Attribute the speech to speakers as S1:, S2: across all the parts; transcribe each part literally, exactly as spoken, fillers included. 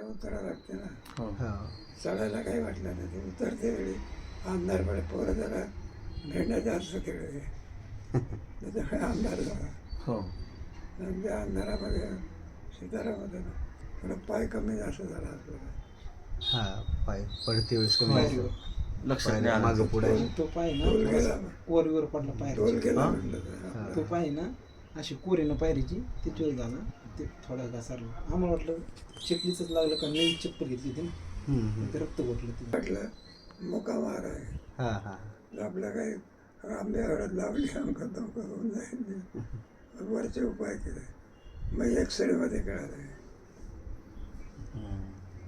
S1: उतरा लागते ना,
S2: हो
S1: चढायला काही वाटलं नाही. ते उतरते वेळी अंधार पडे, पोरं जरा भेंड्याचा असं खेळ त्याच्यामुळे अंधार झाला.
S2: हो
S1: आणि त्या अंधारामध्ये सितारामध्ये थोडं पाय कमी जास्त झाला आपल्याला.
S3: हा पाय पडते वेळेस कमी
S2: हो.
S3: जास्त.
S2: लक्षात नाही
S3: पाय
S2: आलं.
S3: मागं पुढे
S4: तो- तो पाय ना
S1: टोल
S4: थोडासा
S1: गेला.
S4: वरवर पडला
S1: टोल
S4: पायरीची.
S1: केला
S2: हा?
S1: म्हटलं तर आपलं.
S4: तो पाय ना अशी कोरीनं पायरीची तिथवर झाला, ते थोडा घासारला. आम्हाला वाटलं चिखलीच लागलं का नवीन चप्पल घेतली होती ना,
S3: हम्म, हम्म.
S4: ते रक्त घोटलं ते.
S1: म्हटलं मुका मार आहे,
S3: हा हा
S1: आपलं काही आंबे हळद लावली आमका धोका होऊन जाईल. वरचे उपाय केले. मग एक्सरेमध्ये कळालं
S2: हम्म.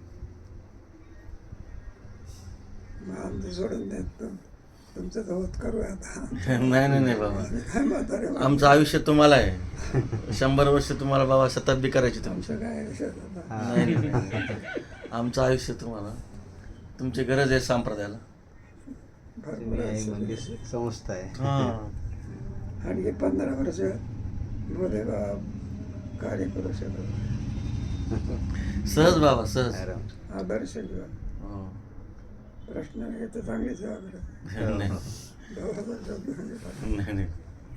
S1: मग आमचं सोडून देत तुम तुमचं तर होत करू आता.
S2: नाही नाही नाही बाबा,
S1: आम्ही काय म्हातारे माणसं.
S2: आमचं आयुष्य तुम्हाला आहे. शंभर वर्ष तुम्हाला बाबा शताब्दी करायची तुमची.
S1: आमचं काय विषय होता.
S2: नाही नाही. आमचं आयुष्य तुम्हाला, तुमची गरज आहे संप्रदायाला.
S1: भरपूर
S3: तुम्ही आहे
S1: असं.
S3: म्हणजे संस्था आहे.
S2: हां
S1: आणखी पंधरा वर्ष मध्ये बा कार्य करू शकत.
S2: सहज बाबा सहज.
S3: आराम.
S1: आदर्श जीवन.
S2: हो.
S1: प्रश्न हे तर चांगली सेवा करत.
S2: नाही
S1: दोघांचा शब्द म्हणजे काय?
S2: नाही नाही.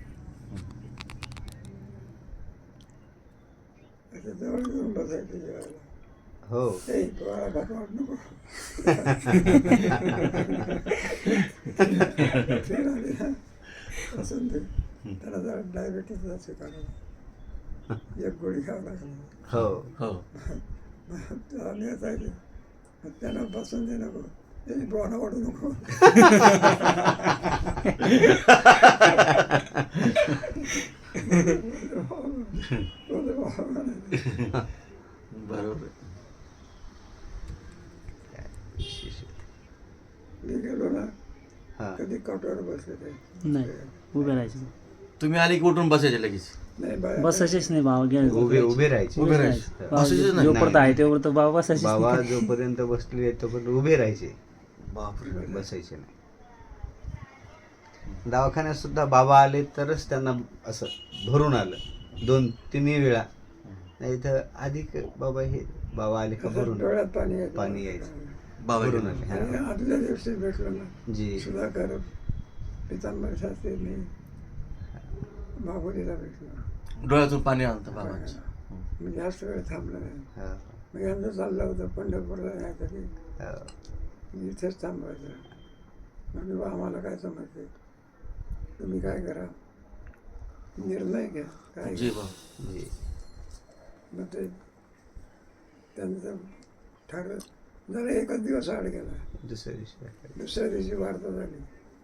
S1: त्याच्या जवळ घेऊन बसायचं जेवायला.
S3: हो
S1: ते पोळा भात वाट नको. ते राहिले ना, असं ते त्याला जरा डायबिटीस असे कारण एक गोळी घ्यावं लागलं.
S3: हो
S2: हो
S1: आम्ही असायचे, मग त्यांना बसून दे नको, ते बोणं वाढू नको.
S2: बरोबर आहे.
S1: मी गेलो ना,
S3: हा
S1: कधी कॉटवर बसले ते
S5: नाही उभे राहायचे
S2: तुम्ही आली की उठून बसायचे लगेच.
S1: नाही बाया
S5: बसायचेच नाही बाबा गेले
S3: उभे उभे राहायचे.
S2: उभे राहायचे. बसायचेच नाही.
S5: जोपर्यंत आहे तोपर्यंत बाबा बसायचेच
S3: बाबा
S5: नाही.
S3: जोपर्यंत बसले तोपर्यंत उभे राहायचे,
S2: बापरे.
S3: बसायचे नाही. दवाखान्यात सुद्धा बाबा आले तरच त्यांना असं भरून आलं दोन तिन्ही वेळा. नाही तर अधिक बाबा हे बाबा आले का भरून
S1: डोळ्यात पाणी यायचं.
S3: पाणी यायचं.
S2: बाबा
S3: भरून
S2: गेले.
S3: आले.
S1: आणि
S3: हा.
S1: आदल्या दिवशी भेटलो ना,
S3: जी
S1: सुधाकर पितांबर शास्त्रींनी बाबुलीला भेटलो.
S2: डोळ्यातून पाणी आणतं बाबांचं.
S1: मी जास्त वेळ थांबलो नाही.
S3: हा.
S1: मग यांचं चाललं होतं पंढरपूरला जायसाठी,
S3: हा.
S1: मी इथेच थांबायचं. म्हणजे बा आम्हाला काय समजते, तुम्ही काय करा, निर्णय घ्या काय.
S2: जी बाबा.
S3: जी
S1: मग ते त्यांचं ठरलं. जरा एकच दिवस आड गेला.
S3: दुसऱ्या दिवशी
S1: दुसऱ्या दिवशी वार्ता झाली,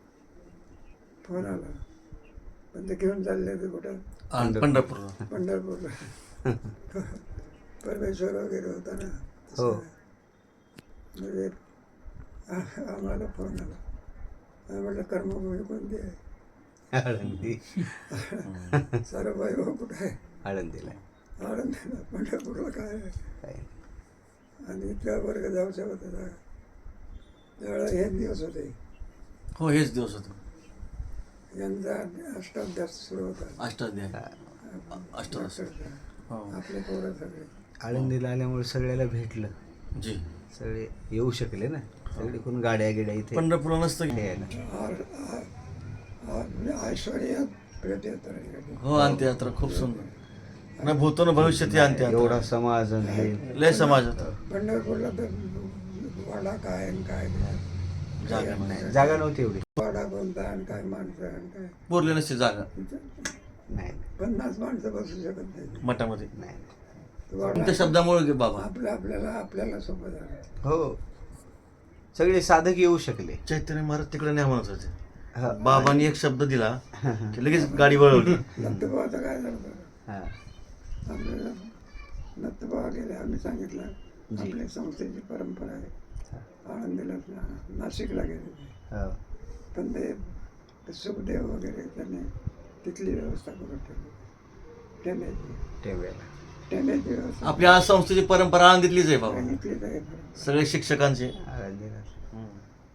S1: फोन आला. पण ते घेऊन चालले ते कुठं
S2: आणि पंढरपूरला.
S1: पंढरपूरला. परमेश्वर वगैरे होता ना.
S3: हो.
S1: म्हणजे आ- आम्हाला फोन आला. आम्ही म्हटलं कर्मभूमी कोणती आहे?
S3: आळंदी.
S1: साराबाई भाऊ कुठं आहे?
S3: आळंदीला
S1: आनंदीला. पंढरपूरला काय आहे?
S3: काय
S1: आणि इतका वर्ग जाऊ शकत होता त्यावेळेला हे दिवस होते.
S2: हो हेच दिवस होतो.
S1: यांचा अष्टाध्यास सुरू होता.
S2: अष्टाध्याय. अष्टादश. हो
S1: आपले पोरं सगळे.
S3: आळंदीला आल्यामुळे सगळ्याला भेटलं.
S2: जी.
S3: सगळे येऊ शकले ना, सगळे कोण गाड्या गिड्या इथे
S2: पंढरपूरला नसतं की.
S3: यायला.
S1: आर- आर- आर- म्हणजे ऐश्वर्यात भेट येतात.
S2: हो अंत्ययात्रा खूप सुंदर. ना भूतो न भविष्यात ही अंत्ययात्रा.
S3: एवढा समाज आणि हे
S2: लय समाज होता.
S1: पंढरपूरला तर वाडा काय आणि काय नाही.
S2: जागा नाही.
S3: नाही, जागा नव्हती एवढी.
S1: वाडा कोणता आणि काय माणसं आणि काय.
S2: बोरली नसते जागा
S3: नाही
S1: पन्नास माणसं बसू शकत नाही.
S2: मठामध्ये.
S3: नाही
S1: वाडा
S2: तुमच्या शब्दामुळे की बाबा.
S1: आपल्या आपल्याला आपल्याला सोपं झालं.
S3: हो सगळे साधक येऊ शकले.
S2: चैतन्य महाराज तिकडे नाही म्हणत होते.
S3: हा.
S2: बाबांनी एक शब्द दिला की लगेच गाडी वळवली.
S1: नंतबाबाचं काय झालं बरं,
S3: हा.
S1: आपल्याला नंतबाबा गेले. आम्ही सांगितलं
S3: जी.
S1: आपल्या संस्थेची परंपरा आहे. आळंदीला ना- नाशिकला गेले ते.
S3: हो.
S1: पण ते ते सुखदेव वगैरे त्यांनी तिथली व्यवस्था करून ठेवली. टेम्याची
S3: टेम्याला.
S1: टेम्याची व्यवस्था
S2: आपल्या आज संस्थेची परंपरा आळंदीतलीच आहे बाबा.
S1: सांगितलीच आहे परंपरा.
S2: सगळे शिक्षकांचे.
S3: आळंदीला.
S2: हम्म.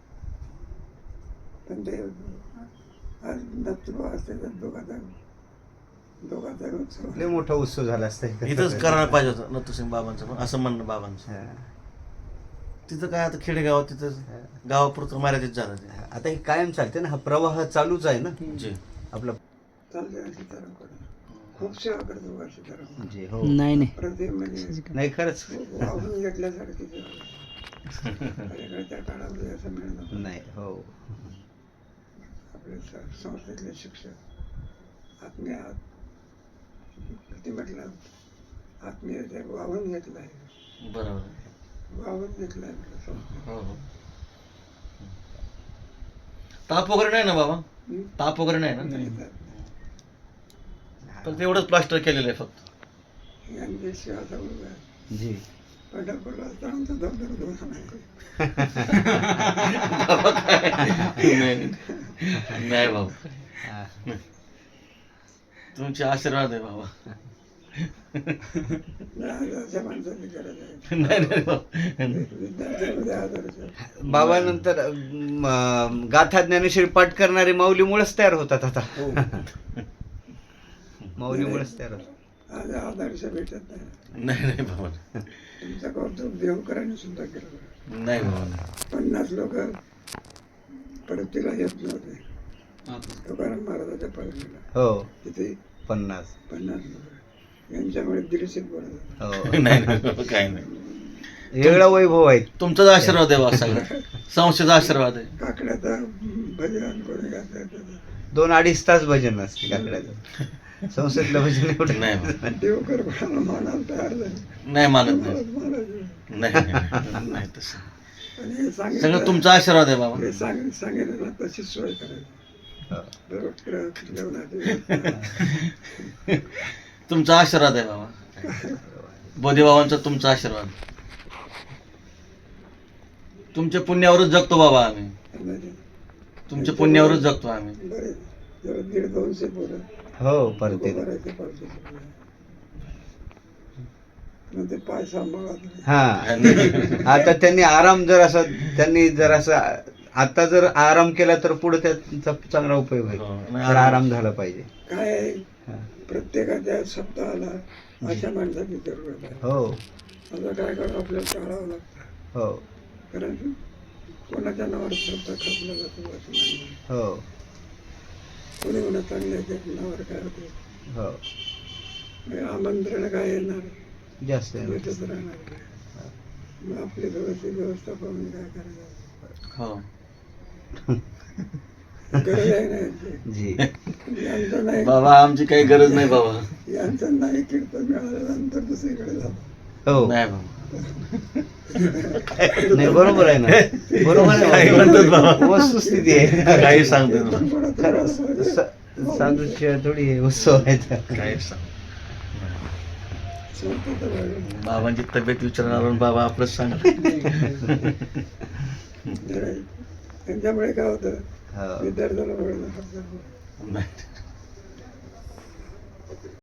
S1: पण ते आज नंतबाबा असते तर दोघाचा दोघाचा उत्सव.
S3: लय मोठा उत्सव झाला असता इथं.
S2: इथंच करायला पाहिजे होतं नथुसिंग बाबांचं पण, असं म्हणणं बाबांचं.
S3: हा.
S2: तिथं काय आता खेडेगावात तिथं गावापुरतं मर्यादित झालं ते.
S3: आता हे कायम चालते ना, हा प्रवाह चालूच आहे ना
S2: जी
S3: आपला.
S1: चालते आणि सीतारामकडे खूप सेवा करतो बा सीताराम.
S3: जे हो
S5: नाही नाही
S1: प्रत्येक म्हणजे
S3: नाही खरंच
S1: वाहून घेतल्यासारखी सेवा. पलीकडच्या काळामध्ये असं मिळणं
S3: नाही हो
S1: आपले स- संस्थेतले शिक्षक आत्मीय आत किती म्हटलं आत्मीय ते वाहून घेतलं आहे,
S2: बरोबर.
S1: वाहून घेतलं आहे म्हटलं संस्था.
S2: हो हो. ताप वगैरे नाही ना बाबा?
S1: हं?
S2: ताप वगैरे नाही ना?
S1: नाही.
S2: पण तेवढंच प्लास्टर केलेलं आहे फक्त.
S1: यांची सेवा चालू आहे.
S3: जी
S1: पंढरपूरला असताना तर धबधब धुवा नाही.
S2: बाबा काय? नाही नाही बाबा,
S3: हा.
S2: तुमचे आशीर्वाद आहे बाबा.
S1: नाही, अशा माणसाची गरज आहे.
S2: नाही नाही बाबा.
S1: विद्यार्थ्यांमध्ये आदर्श.
S3: बाबानंतर म, गाथा ज्ञानेश्वरी पाठ करणारे माऊलीमुळेच तयार होतात आता. माऊलीमुळेच तयार होतात.
S1: आज आदर्श भेटत नाही.
S2: नाही नाही बाबा.
S1: तुमचं कौतुक देवकरांनी सुद्धा केलं.
S2: नाही बाबा.
S1: पन्नास लोक परतीला येत नव्हते तुकाराम महाराजाच्या परतीला.
S3: हो
S1: तिथे
S3: पन्नास
S1: पन्नास लोक यांच्यामुळे दीडशे बोलत होते.
S3: हो
S2: नाही नाही बाबा, काही नाही.
S3: वेगळा वैभव आहे.
S2: तुमचाच आशीर्वाद आहे बाबा सगळं. संस्थेचा आशीर्वाद आहे.
S1: काकड्याचा भजन कोणी गात
S3: दोन अडीच तास भजन असते काकड्याचं. संसदलं भजन एवढं
S2: नाही बाबा.
S1: देवकर कोणाला मानायला तयार झाले.
S2: नाही मानत नाही.
S1: महाराज
S2: नाही नाही नाही तसं.
S1: आणि हे
S2: सगळं
S1: सांगितलं
S2: तुमचा आशीर्वाद आहे बाबा.
S1: हे सांग सांगितलं ना तशीच सोय करायची.
S3: हो.
S1: बरोबर जेवणाची.
S2: तुमचा आशीर्वाद आहे बाबा. बोधीबाबांचा तुमचा आशीर्वाद. तुमच्या पुण्यावरच जगतो बाबा आम्ही. तुमच्या पुण्यावरच जगतो आम्ही.
S1: बरे जवळ दीड दोनशे पोरं
S3: हो परत
S1: भरायचे पाहिजे. मग ते पाय सांभाळत नाही.
S3: हा आता त्यांनी आराम जर असं त्यांनी जर असं आता जर आराम केला तर पुढे त्याचा चांगला उपयोग होईल.
S2: हो,
S3: तर आराम झाला पाहिजे.
S1: काय आहे,
S3: हा.
S1: प्रत्येकाच्या सप्ताहाला अशा माणसाची जरूरत आहे.
S3: हो
S1: आता काय करावं आपल्याला टाळावं लागतं.
S3: हो
S1: कारण कोणाच्या नावावर सप्ताह खपला जातो असं नाही.
S3: हो
S1: कोणी कोणा चांगल्या नावावर काय होते.
S3: हो
S1: मग आमंत्रण काय येणार
S3: जास्त आहे.
S1: भेटत राहणार. मग आपली व्यवस्थित व्यवस्था पाहून काय करायचं.
S2: हो.
S1: गरज आहे ना यांची.
S3: जी
S1: यांचं नाही
S2: बाबा आमची काही गरज नाही बाबा.
S1: यांचं नाही कीर्तन मिळाल्यानंतर दुसरीकडे जातो.
S3: हो
S2: नाही बाबा.
S3: नाही बरोबर आहे ना. बरोबर
S2: काही
S3: आहे.
S2: म्हणतात बाबा.
S3: वस्तुस्थिती आहे.
S2: काही सांगतो
S1: पण कोणाचं
S3: खरं
S1: असं
S3: स- साधूशिवाय थोडी हे उत्सव आहेत.
S2: काही सांग.
S1: सांगतो तर बरं.
S2: बाबांची तब्येत विचारणार बाबा आपलंच सांगा.
S1: नाही. त्यांच्यामुळे काय होतं
S3: हो
S1: विद्यार्थ्याला वळणं
S2: नाही